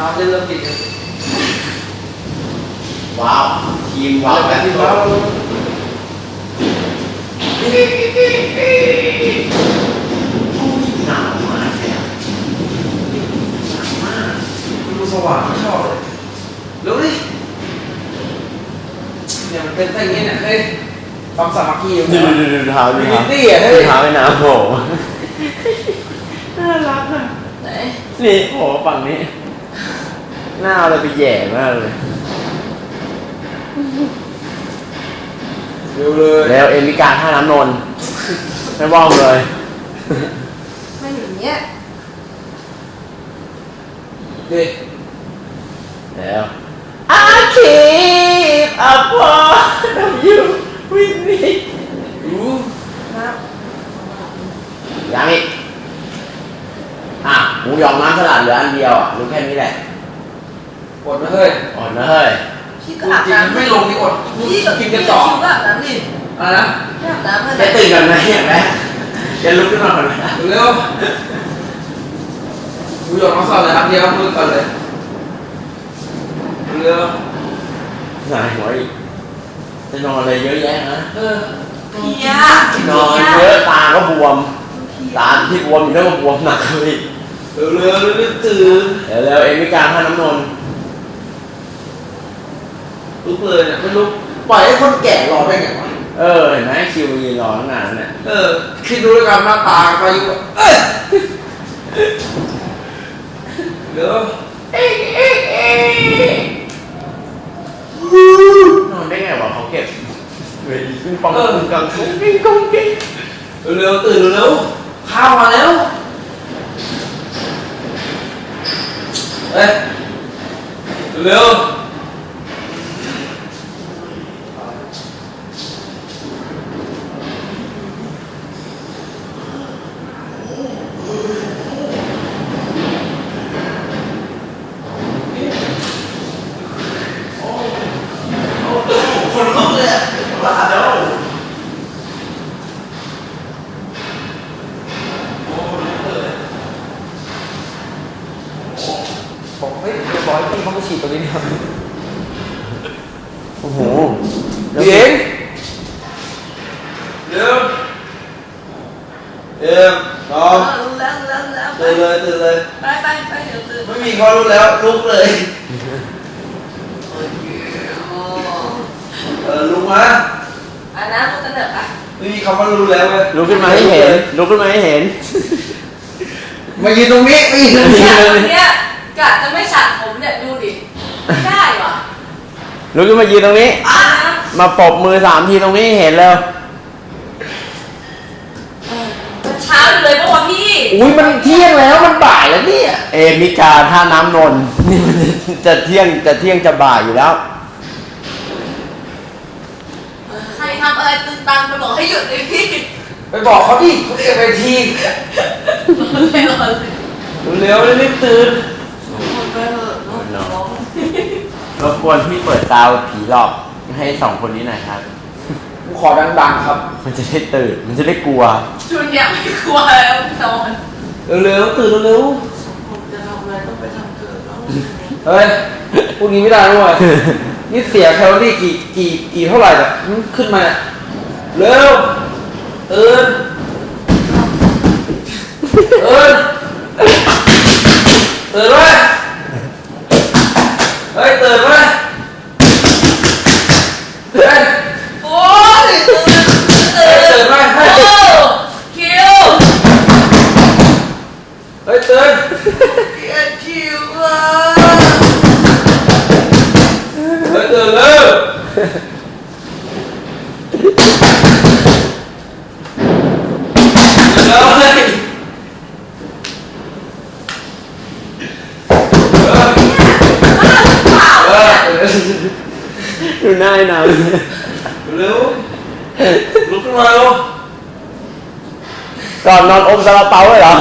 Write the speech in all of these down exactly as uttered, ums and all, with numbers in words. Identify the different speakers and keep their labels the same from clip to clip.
Speaker 1: เล่นเริ่มติดกัน
Speaker 2: ว้าวทีมว้าวแบบที่ว้าวหนาวมากเลยหนาวมาก
Speaker 1: ดูสว่างไม่ชอบเลยเร็วดิเนี่ยมันเป็นไส้เงี้ยเนี่ยเฮ้ยความสามัคคีอยู่
Speaker 2: ดูดูดูเท้าดูเท้า
Speaker 1: ตี้อ่ะเฮ้ย
Speaker 2: เท้าไอ้น้ำโหน่ารักอ่ะไหนนี่โหฝั่งนี้หน้าเราไปแย่มากเลย
Speaker 1: เร็วเลย
Speaker 2: แล้วเอ็มิการท่าน้ำนนท์ไม่ว่องเลย
Speaker 3: ไม่อย่างเงี้ย
Speaker 1: เด็ก
Speaker 2: แล้ว I keep a part of you with me
Speaker 1: รู้
Speaker 3: ครับ
Speaker 2: ยังอีกอ่ะหมูยองน้ำสลัดเหลืออันเดียวอ่ะรู้แค่นี้แหละ
Speaker 1: อดนะเฮ้ย
Speaker 2: อ่อนนะเฮ้ย
Speaker 3: พี่ก็อาบน้ำ
Speaker 1: ไม่ลงนี่อดพี่กินกันต่อ
Speaker 3: พี่ก็อาบน้ำดิ
Speaker 1: อะไรนะ
Speaker 3: อาบน้ำ
Speaker 2: จะตื่นกันไหมเห็นไหมจะลุกขึ้นมาก่อนไหม
Speaker 1: เร็วดูหยดน้องสาวเลยครับเดียวมือก่อนเลยเร็ว
Speaker 2: หายหัวอีกจะนอนอะไรเยอะแยะนะ
Speaker 1: เออ
Speaker 3: พี่ย
Speaker 2: นอนเยอะตาก็บวมตาที่บวมอยู่แล้วก็บวมหนักเลย
Speaker 1: เร็วเร็วเร็วตื่น
Speaker 2: เดี๋ยวแล้วเอ็มิการท่าน้ำนนท์
Speaker 1: ลุกเลยเนี่ยไม่ลุกปล่อยให้คนแก่รอได้ไงวะ
Speaker 2: เออเห็นไหมคิวมายืนรอตั้งนานเนี่ย
Speaker 1: เออคิดดูแล้วกันหน้าตาไปอยู่เอ้ยเดี๋ยวน
Speaker 2: อนได้ไงวะเขาเก็บเวทีขึ้นปองขึ้นกลางกุ้งกิ้งกุ้งกิ้ง
Speaker 1: เร็วตื่นเร็วข้าวมาแล้วเอ้ยเร็วคนลุกเลยบ้าแล้วบอกเฮ้ยเรียบร้อยพี่เขามาฉีดตรงนี้เนี่ย
Speaker 2: โอ้โห
Speaker 1: เดี๋ยวเดี๋ยวเดี๋ยวน้อง
Speaker 3: แล้วแล้วแล้ว
Speaker 1: ตื่นเลยตื่นเลย
Speaker 3: ไปไปไปเดี๋ยวตื่น
Speaker 1: ไม่มีเขาลุกแล้วลุกเลยเออลุกมา
Speaker 3: อ่ะนะลุกกันเถอะอ่ะ
Speaker 1: ไม่มีคำว่าลุกแล้วเว้ย
Speaker 2: ลุกขึ้นมาให้เห็นลุกขึ้นมาให้เห็น
Speaker 1: มายืนตรงนี้มายืนตรงนี้
Speaker 3: เนี่ยกะจะไม่ฉัดผมเนี่ยดูดิไม่ได้หรอ
Speaker 2: ลุกขึ้นมายืนตรงนี้มาปบมือสามทีตรงนี้เห็นแล้ว
Speaker 3: มันเช้าเลยเพราะว่าพี่
Speaker 2: อุ้ยมันเที่ยงแล้วมันบ่ายแล้วเนี่ยเอมิกาท่าน้ำนนท์นี่มันจะเที่ยงจะเที่ยงจะบ่ายอยู่แล้ว
Speaker 3: ใครทำอะไรตึงตังมาบอกให้หยุดเลยพี่
Speaker 1: ไปบอกเขาดิเขาเรียกไปทีเร็วๆรีบตื่น
Speaker 2: รบกวนพี่เปิดซาวผีหลอกให้สองคนนี้หน่อยครับ
Speaker 1: กูขอดังๆครับ
Speaker 2: มันจะได้ตื่นมันจะได้กลัว
Speaker 3: ชุนเนี่ยไม่กลัวแล้วนอน
Speaker 1: เร็วๆตื่นเร็ว
Speaker 3: ผมจะทำอะไรต้องไปทำเกิดแล้ว
Speaker 1: เฮ้ยพวกนี้ไม่ได้ด้วยนี่เสียแคลอรี่กี่กี่กี่เท่าไหร่เนี่ยขึ้นมาเร็วตื่นตื่นตื่นไว้เฮ้ยตื่นไว้เฮ้ย
Speaker 3: โอ้ยตื่นตื่น
Speaker 1: ตื่นไว้เฮ้ย
Speaker 3: คิว
Speaker 1: เฮ้ยตื่น
Speaker 3: คิวอ่ะ
Speaker 1: เฮ้ยตื่นเร็วเร็วเลย
Speaker 2: ดูหน้าหนาว
Speaker 1: เร็วลุกขึ้นมาเร็ว
Speaker 2: ก่อนนอนอมซาลาเปาเลยเหรอ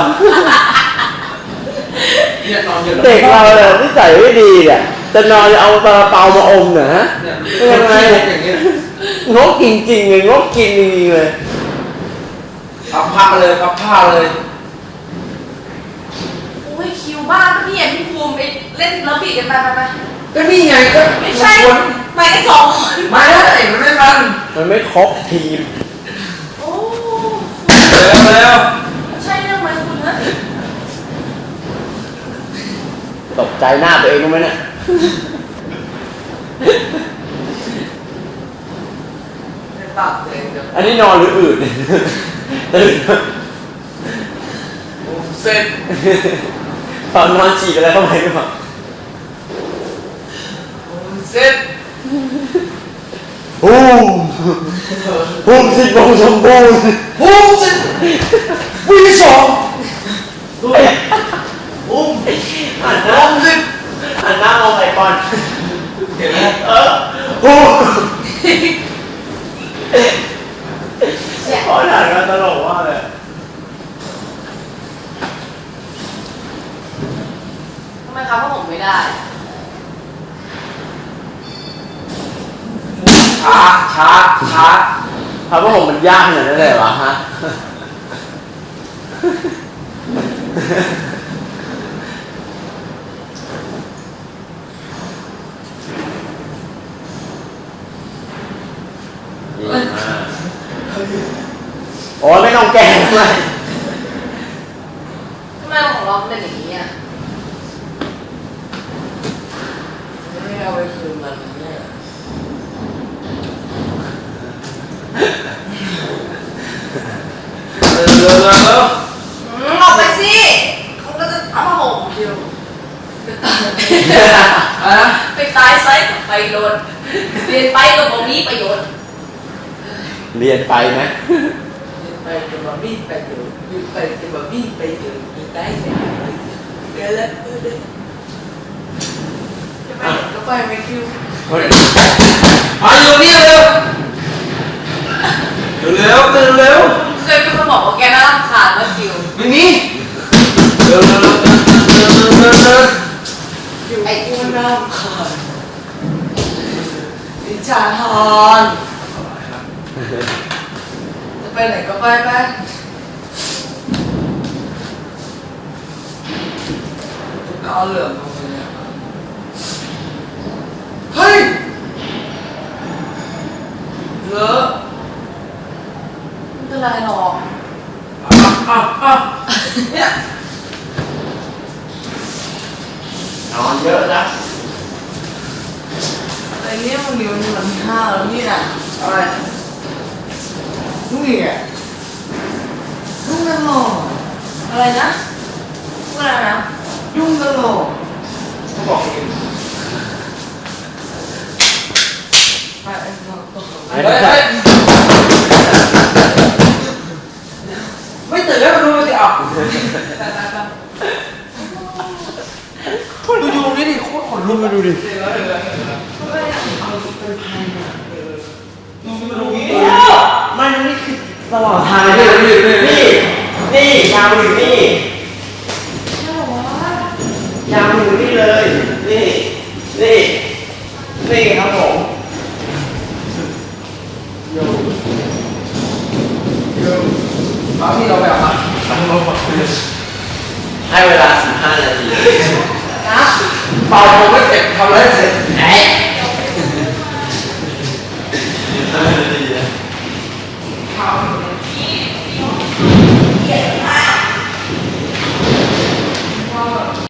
Speaker 2: เด็กเราเนี่ยนิสัยไม่ดีเนี่ยจะนอนเอาซาลาเปามาอมเนี่ยฮะเป็นยังไงงกจริงๆเลยงกกินจริงๆเลย
Speaker 1: พับผ้าเลยพับผ้าเลย
Speaker 3: โอ้ยคิวบ้าพี่เห็นพี่ภูมิไปเล่นแล้วบีกันไปไปไป
Speaker 1: ก็นี่ไงก็
Speaker 3: ไม่ใช่
Speaker 1: คน
Speaker 3: ไปกันสองคน
Speaker 1: ไม่ได้มันไม่มัน
Speaker 2: มันไม่ครบทีม
Speaker 3: โอ้
Speaker 1: เร็วเร็ว
Speaker 3: ใช่เรื่องไหมคุณนะ
Speaker 2: ตกใจหน้าตัวเองรู้ไหมเนี่ย
Speaker 1: ในปากตัวเองเดี๋ยว
Speaker 2: อันนี้นอนหรืออืดตื่น
Speaker 1: เสร็จ
Speaker 2: ตอนนอนฉีกอะไรเข้าไปหรือเปล่า
Speaker 1: เสร็จ
Speaker 2: ฮูมฮูมสิบโมงสมบูรณ์
Speaker 1: ฮู้เสร็จวีสองฮู้
Speaker 2: หันหน้า
Speaker 1: ฮู้สิบ
Speaker 2: หันหน้ามองไปก่อน
Speaker 1: เห็นไหม
Speaker 2: เออฮูมพอถ่ายกันตลกว่าเลย
Speaker 3: ทำไมครับว่าผมไม่ได้
Speaker 1: ช้าช้าช้า
Speaker 2: พระว่าผมมันยากขนาดนั้นเลยวะฮะ ดีมากโอ้ยไม่ต้องแก้ทำไม
Speaker 3: ทำไมของเราเป็นอย่างนี้อ่ะไม่เอาไปคืนมันเนี่ย
Speaker 1: เร็วเร็วเร็วเร็ว
Speaker 3: อืมออกไปสิเขาก็จะเอาผ้าห่มเดียวไปตาย
Speaker 1: อ่ะ
Speaker 3: ไปตายไซส์กับไปโดนเรียนไปกับบ่มีประโยชน์
Speaker 2: เรียนไปไหม
Speaker 3: ไปกับบ่มีประโยชน์อยู่ไปกับบ่มีประโยชน์อยู่ได้เสร็จเดี๋ยวแล้วเออเดี๋ยวจะไปไหนก็ไปไม่คิว
Speaker 1: มาอยู่นี่เร็วเร็วเร็วเร็ว
Speaker 3: เคยเป็นคนบอกว่าแกน่ารำคาญว่าคิว
Speaker 1: ไม่มีเร็วเร็วเร็วเร็วเร็วเร็วเร็ว
Speaker 3: ไอ้อ้วนน่ารำคาญดิฉันฮอนจะไปไหนก็ไปไป
Speaker 1: เอาเหลืองเอาไปเนี่ยเฮ้ยเหลือ
Speaker 3: ไม่เป็นไรหรอก
Speaker 1: อ่ะอ่ะอ่ะเนี่ย
Speaker 2: นอนเยอะนะ
Speaker 3: ไอ้เนี่ยมันมีมันมีมันห้าแล้วเนี่ย
Speaker 1: อะไร
Speaker 3: นี่ไงยุ่งตลอดอะไรนะพูดอะไรนะยุ่งตลอด
Speaker 1: เขาบอกเอง
Speaker 3: ไปไอ้น้องก็
Speaker 1: เฮ้ยเฮ้ยไม่ตื่นแล้วมาดูสิอ่ะดูดูนี่ดิโคตรขนลุกมาดูดิมันนี่คือ
Speaker 2: ตลอดทางเลยนี่นี่นี่ยาวอยู่นี่ยาวอยู่นี่เลย นี่ นี่ นี่ครับผม
Speaker 1: เอาที่เราไปเอามา
Speaker 2: ให้เวลาสิบห้านาที
Speaker 3: นะ
Speaker 1: เป่าผมไม่เสร็จทำอะไรเสร็จ
Speaker 2: เอ๊ะ